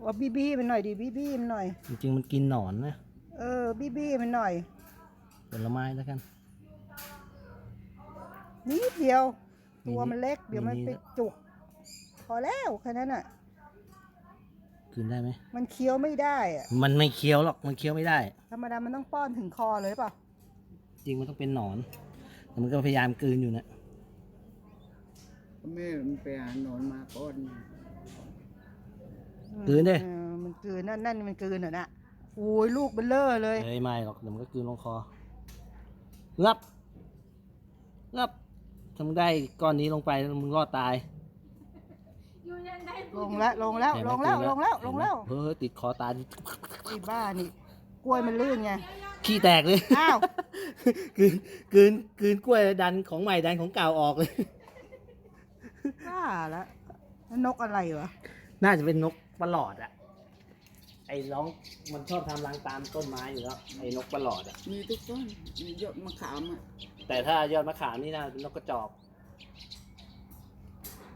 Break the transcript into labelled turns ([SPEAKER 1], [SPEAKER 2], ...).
[SPEAKER 1] ว่าบี้มันหน่อยดิบี้มันหน่อย
[SPEAKER 2] จริงๆมันกินหนอนนะ
[SPEAKER 1] บี้มันหน่อย
[SPEAKER 2] ผลไม้แล้วกัน
[SPEAKER 1] นิดเดียว
[SPEAKER 2] มี
[SPEAKER 1] ตัวมันเล็กเดี๋ยวมัน
[SPEAKER 2] มี
[SPEAKER 1] ไปจุกพอแล้วแค่นั้นอ่ะ
[SPEAKER 2] กินได้ไหม
[SPEAKER 1] มันเคี้ยวไม่ได้อ่ะ
[SPEAKER 2] มันไม่เคี้ยวหรอกมันเคี้ยวไม่ได้
[SPEAKER 1] ธรรมดามันต้องป้อนถึงคอเลยเปล่า
[SPEAKER 2] จริงมันต้องเป็นหนอนแต่มันก็พยายามกลืนอยู่นะ
[SPEAKER 3] แม่มันไปหาหนอนมาก้อน
[SPEAKER 2] กลืนดิ
[SPEAKER 1] มันกลืนนั่นมันกลืนเหรอน่ะโอ้ยลูกเบลเลอร์เลย
[SPEAKER 2] ไม่หรอกเดี๋ยวมันก็กลืนลงคองับถ้ามึงได้ก้อนนี้ลงไปมึงรอดตาย
[SPEAKER 1] ลงแล้ว
[SPEAKER 2] เห็นไหม
[SPEAKER 1] ลงแล้ว
[SPEAKER 2] เฮ้ยติดคอตาย
[SPEAKER 1] ไอ้บ้านี่กล้วยมันลื่นไง
[SPEAKER 2] ขี้แตกเลย
[SPEAKER 1] อ้าว
[SPEAKER 2] กลืนกล้วยดันของใหม่ดันของเก่าออกเลย
[SPEAKER 1] บ้าแล้วนกอะไรวะ
[SPEAKER 2] น่าจะเป็นนกประหลอดอะไอ้ร้องมันชอบทำรังตามต้นไม้อยู่แล้วไอ้นกประหลอดอะ
[SPEAKER 3] มีทุกต้นมียอดมะขามอ่ะ
[SPEAKER 2] แต่ถ้ายอดมะขามนี่น่าเป็นนกกระจอก